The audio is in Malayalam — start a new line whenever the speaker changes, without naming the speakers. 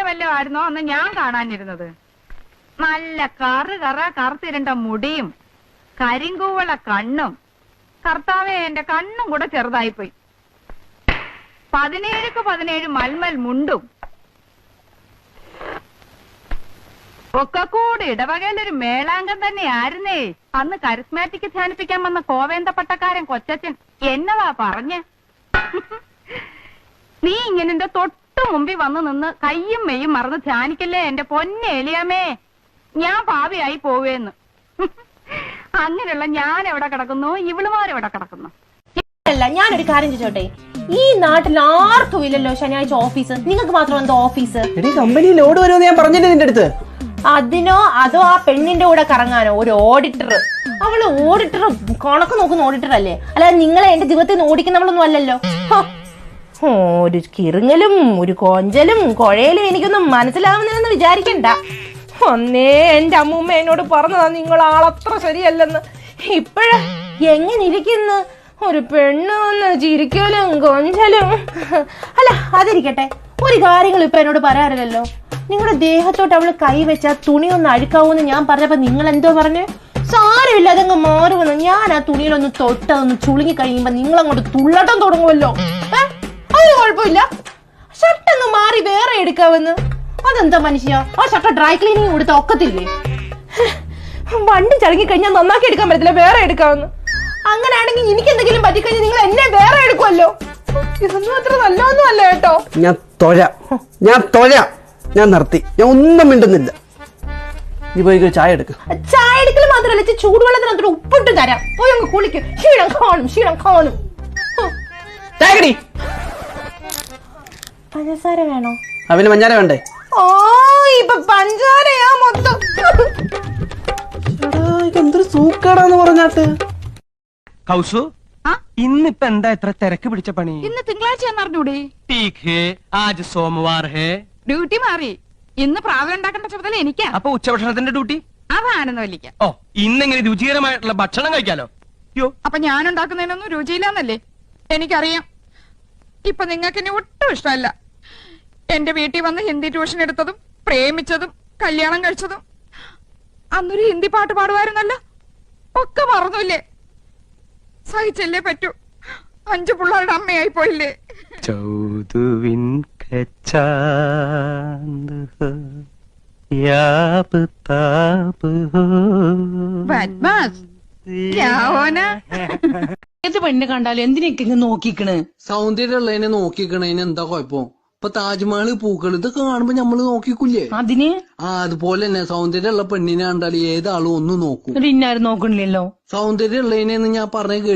വല്ലതും ആയിരുന്നോ അന്ന് ഞാൻ കാണാനിരുന്നത്? നല്ല കറുത്തിരണ്ട മുടിയും കരിങ്കൂവള കണ്ണും. കർത്താവേ, എന്റെ കണ്ണും കൂടെ ചെറുതായിപ്പോയി. 17 മൽമൽ മുണ്ടും ഒക്കെ കൂടി ഇടവകയിലൊരു മേളാംഗം തന്നെ ആയിരുന്നേ. അന്ന് കരിസ്മാറ്റിക് ധ്യാനിപ്പിക്കാൻ വന്ന കോവേന്ത പട്ടക്കാരൻ കൊച്ചച്ഛൻ എന്നതാ പറഞ്ഞ്? നീ ഇങ്ങനെ എന്റെ തൊട്ടു മുമ്പിൽ വന്നു നിന്ന് കയ്യും മെയ്യും മറന്ന് ധ്യാനിക്കല്ലേ എന്റെ പൊന്നെ എലിയാമേ, ഞാൻ പാവിയായി പോവേന്ന്. അങ്ങനെയുള്ള ഞാൻ എവിടെ കിടക്കുന്നു, ഇവളുമാരെവിടെ കിടക്കുന്നു?
അല്ല, ഞാനൊരു കാര്യം ചോദിച്ചോട്ടെ, ഈ നാട്ടിൽ ആർക്കും ഇല്ലല്ലോ ശനിയാഴ്ച ഓഫീസ്, നിങ്ങൾക്ക് മാത്രം എന്തോ ഓഫീസ്?
കമ്പനി ലോഡ് വരുമെന്ന് ഞാൻ പറഞ്ഞില്ലേ നിന്റെ അടുത്ത്?
അതിനോ അതോ ആ പെണ്ണിന്റെ കൂടെ കറങ്ങാനോ? ഒരു ഓഡിറ്റർ, അവള് ഓഡിറ്റർ, കണക്ക് നോക്കുന്ന ഓഡിറ്റർ അല്ലേ? അല്ലാതെ നിങ്ങളെ എന്റെ ജീവിതത്തിൽ നിന്ന് ഓടിക്കുന്നവളൊന്നും അല്ലല്ലോ. ഒരു കിറുങ്ങലും ഒരു കൊഞ്ചലും കുഴയലും എനിക്കൊന്നും മനസ്സിലാവുന്നില്ലെന്ന് വിചാരിക്കണ്ട. ഒന്നേ എന്റെ അമ്മൂമ്മ എന്നോട് പറഞ്ഞതാ നിങ്ങൾ ആളത്ര ശരിയല്ലെന്ന്. ഇപ്പഴ എങ്ങനെ ഇരിക്കുന്നു ഒരു പെണ്ണ് വന്ന് ചിരിക്കലും കൊഞ്ചലും. അല്ല, അതിരിക്കട്ടെ, ഒരു കാര്യങ്ങൾ ഇപ്പൊ എന്നോട് പറയാറില്ലല്ലോ. നിങ്ങളുടെ ദേഹത്തോട്ട് അവള് കൈവച്ച തുണി ഒന്ന് അഴുക്കാവൂന്ന് ഞാൻ പറഞ്ഞപ്പോ നിങ്ങൾ എന്തോ പറഞ്ഞേ? സാരമില്ല, അതങ്ങ് മാറുമെന്ന്. ഞാൻ ആ തുണിയിലൊന്ന് തൊട്ടതൊന്ന് ചുളുങ്ങി കഴിയുമ്പോ നിങ്ങൾ അങ്ങോട്ട് തുള്ളട്ടം തുടങ്ങുമല്ലോ. അതിന് കുഴപ്പമില്ല, ഷർട്ടങ്ങ് മാറി വേറെ എടുക്കാവെന്ന്. അതെന്താ മനുഷ്യ, ആ ഷർട്ട് ഡ്രൈ ക്ലീനിങ് കൊടുത്ത ഒക്കത്തില്ലേ? വണ്ടി ചടങ്ങി കഴിഞ്ഞാൽ നന്നാക്കി എടുക്കാൻ പറ്റത്തില്ല, വേറെ എടുക്കാവെന്ന്. അങ്ങനെയാണെങ്കിൽ എനിക്ക് എന്തെങ്കിലും പറ്റിക്കഴിഞ്ഞാൽ നിങ്ങൾ എന്നെ വേറെ എടുക്കുമല്ലോ. ഇതൊന്നും അത്ര നല്ലതൊന്നും അല്ല കേട്ടോ.
ഞാൻ നിർത്തി, ഞാൻ ഒന്നും മിണ്ടുന്നില്ല. നീ പോയി ചായ എടുക്ക.
ചായ എടുക്കൽ മാത്രമല്ല, ചൂടുവെള്ളത്തിനകത്തോട് ഉപ്പിട്ട് തരാം. പോയി അങ്ങ് കുളിക്കും. ക്ഷീണം കാണും. പഞ്ചസാര വേണോ?
അവന് മഞ്ഞാര വേണ്ടേ?
ഓ, ഇപ്പൊ പഞ്ചാരയാ മൊത്തം.
എന്തൊരു സൂക്കാടാന്ന് പറഞ്ഞാട്ട്.
കൗസു, ഇന്നിപ്പ എന്താ ഇത്ര തിരക്ക് പിടിച്ച പണി?
ഇന്ന് തിങ്കളാഴ്ച അറിഞ്ഞൂടെ?
ആജ് സോമവാർ ഹേ.
ഡ്യൂട്ടി മാറി. ഇന്ന് പ്രാവൽ ഉണ്ടാക്കേണ്ട ചുമതല എനിക്കാ.
അപ്പൊ ഉച്ചഭക്ഷണത്തിന്റെ ഡ്യൂട്ടി?
അതാണെന്ന് വലിക്ക.
ഓ, ഇന്നെങ്ങനെ രുചികരമായിട്ടുള്ള ഭക്ഷണം കഴിക്കാലോ.
അപ്പൊ ഞാൻ ഉണ്ടാക്കുന്നതിനൊന്നും രുചിയില്ലാന്നല്ലേ എനിക്കറിയാം. ഇപ്പൊ നിങ്ങൾക്ക് എന്നെ ഒട്ടും ഇഷ്ടമല്ല. എന്റെ വീട്ടിൽ വന്ന് ഹിന്ദി ട്യൂഷൻ എടുത്തതും പ്രേമിച്ചതും കല്യാണം കഴിച്ചതും അന്നൊരു ഹിന്ദി പാട്ട് പാടുമായിരുന്നല്ലോ, ഒക്കെ മറന്നുല്ലേ? സഹിച്ചല്ലേ പറ്റൂ. 5 പിള്ളേരുടെ അമ്മയായി പോയില്ലേ?
ചൗതുവിൻ
ഏത് പെണ്ണിനെ കണ്ടാലും എന്തിനൊക്കെ ഇങ്ങ് നോക്കിക്കണ്?
സൗന്ദര്യമുള്ളതിനെ നോക്കിക്കണേന് എന്താ കുഴപ്പം? ഇപ്പൊ താജ്മഹൽ പൂക്കൾ ഇതൊക്കെ കാണുമ്പോ നമ്മള് നോക്കിക്കൂലേ?
അതിന്
അതുപോലെ തന്നെ സൗന്ദര്യമുള്ള പെണ്ണിനെ കണ്ടാൽ ഏതാളും ഒന്ന് നോക്കും.
ഇന്നാരും നോക്കണില്ലല്ലോ.
സൗന്ദര്യമുള്ളതിനെന്ന് ഞാൻ പറഞ്ഞ